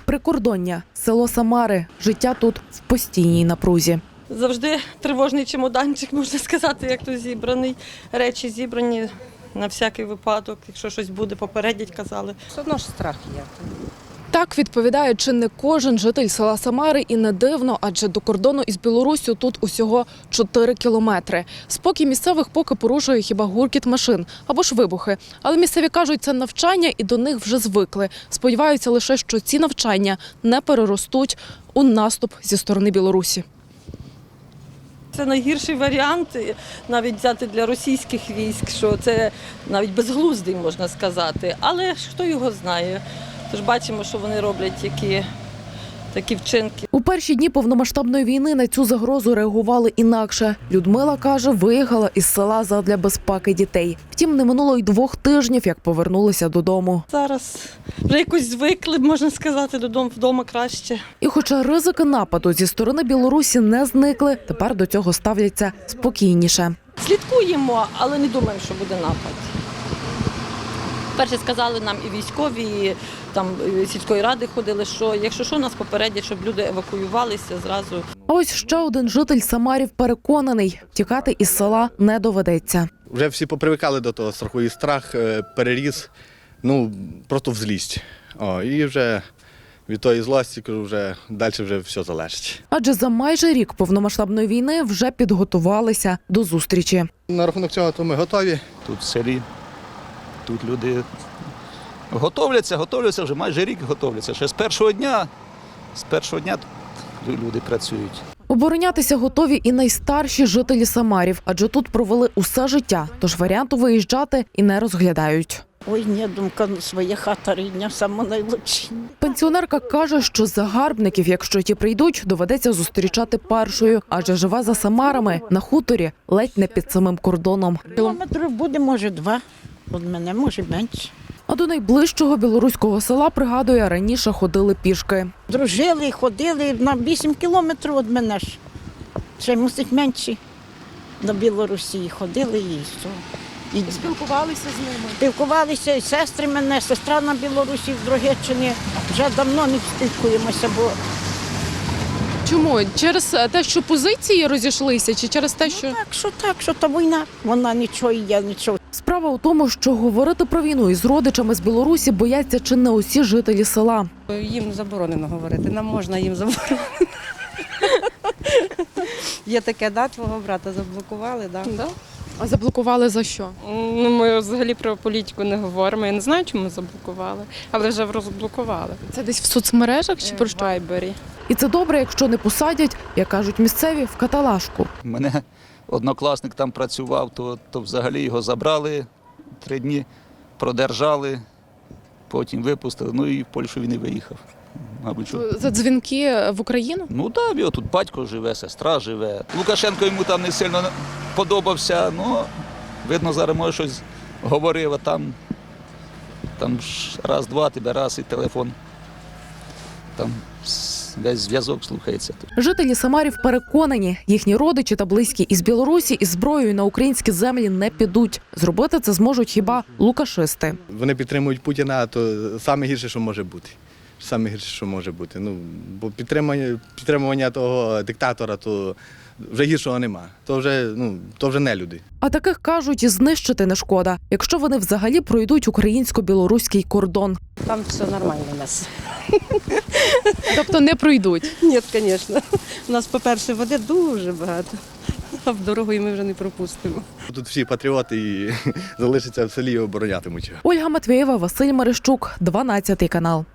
Прикордоння, село Самари. Життя тут в постійній напрузі. Завжди тривожний чемоданчик, можна сказати, як то зібраний. Речі зібрані на всякий випадок. Якщо щось буде, попередять, казали. Все одно ж страх є. Так відповідає чи не кожен житель села Самари, і не дивно, адже до кордону із Білоруссю тут усього 4 кілометри. Спокій місцевих поки порушує хіба гуркіт машин або ж вибухи. Але місцеві кажуть, це навчання і до них вже звикли. Сподіваються лише, що ці навчання не переростуть у наступ зі сторони Білорусі. Це найгірший варіант, навіть взяти для російських військ, що це навіть безглуздий, можна сказати. Але ж хто його знає? Тож бачимо, що вони роблять такі вчинки. У перші дні повномасштабної війни на цю загрозу реагували інакше. Людмила каже, виїхала із села задля безпеки дітей. Втім, не минуло й 2 тижнів, як повернулися додому. Зараз вже якось звикли, можна сказати, вдома краще. І хоча ризики нападу зі сторони Білорусі не зникли, тепер до цього ставляться спокійніше. Слідкуємо, але не думаємо, що буде напад. Перше сказали нам і військові, і там сільської ради ходили, що якщо що, нас попередять, щоб люди евакуювалися зразу. А ось ще один житель Самарів переконаний, тікати із села не доведеться. Вже всі попривикали до того страху, і страх переріс, просто в злість. І вже від тої злості, кажу, вже далі вже все залежить. Адже за майже рік повномасштабної війни вже підготувалися до зустрічі. На рахунок цього то ми готові. Тут в селі, тут люди готовляться вже майже рік готовляться. Ще з першого дня тут люди працюють. Оборонятися готові і найстарші жителі Самарів, адже тут провели усе життя, тож варіанту виїжджати і не розглядають. Ой, ні, думка, своя хата рідня, саме найлучше. Пенсіонерка каже, що загарбників, якщо ті прийдуть, доведеться зустрічати першою, адже живе за Самарами на хуторі, ледь не під самим кордоном. Кілометрів буде, може, 2 від мене, може, менше. А до найближчого білоруського села, пригадує, раніше ходили пішки. Дружили, ходили на 8 кілометрів від мене ж. Ще мусить менше. До Білорусі ходили і все. І Спілкувалися з ними? спілкувалися, і сестри мене, сестра на Білорусі, в Дрогеччині. Вже давно не спілкуємося, бо Чому? Через те, що позиції розійшлися, чи через те, що… так, що та війна, вона нічого і я нічого. Справа у тому, що говорити про війну із родичами з Білорусі бояться чи не усі жителі села. Їм заборонено говорити, нам можна, їм заборонено. Є таке, твого брата заблокували, да? А заблокували за що? Ми взагалі про політику не говоримо, я не знаю, чому заблокували, але вже розблокували. Це десь в соцмережах чи про В що? Вайбері. І це добре, якщо не посадять, як кажуть місцеві, в каталажку. У мене однокласник там працював, то взагалі його забрали, 3 дні продержали, потім випустили, і в Польщу він і виїхав. Мабуть, що. За дзвінки в Україну? Так, його тут батько живе, сестра живе. Лукашенко йому там не сильно подобався, видно, зараз може щось говорив, а там ж раз-два тебе раз і телефон, там весь зв'язок слухається. Жителі Самарів переконані, їхні родичі та близькі із Білорусі із зброєю на українські землі не підуть. Зробити це зможуть хіба лукашисти. Вони підтримують Путіна, то саме гірше, що може бути. Саме гірше, що може бути. Бо підтримування того диктатора, то вже гіршого нема. То вже не люди. А таких, кажуть, і знищити не шкода, якщо вони взагалі пройдуть українсько-білоруський кордон. Там все нормально у нас. Тобто не пройдуть? Ні, звісно. У нас, по-перше, води дуже багато, а в дорогу ми вже не пропустимо. Тут всі патріоти і залишаться в селі і оборонятимуть його. Ольга Матвєєва, Василь Марищук, 12 канал.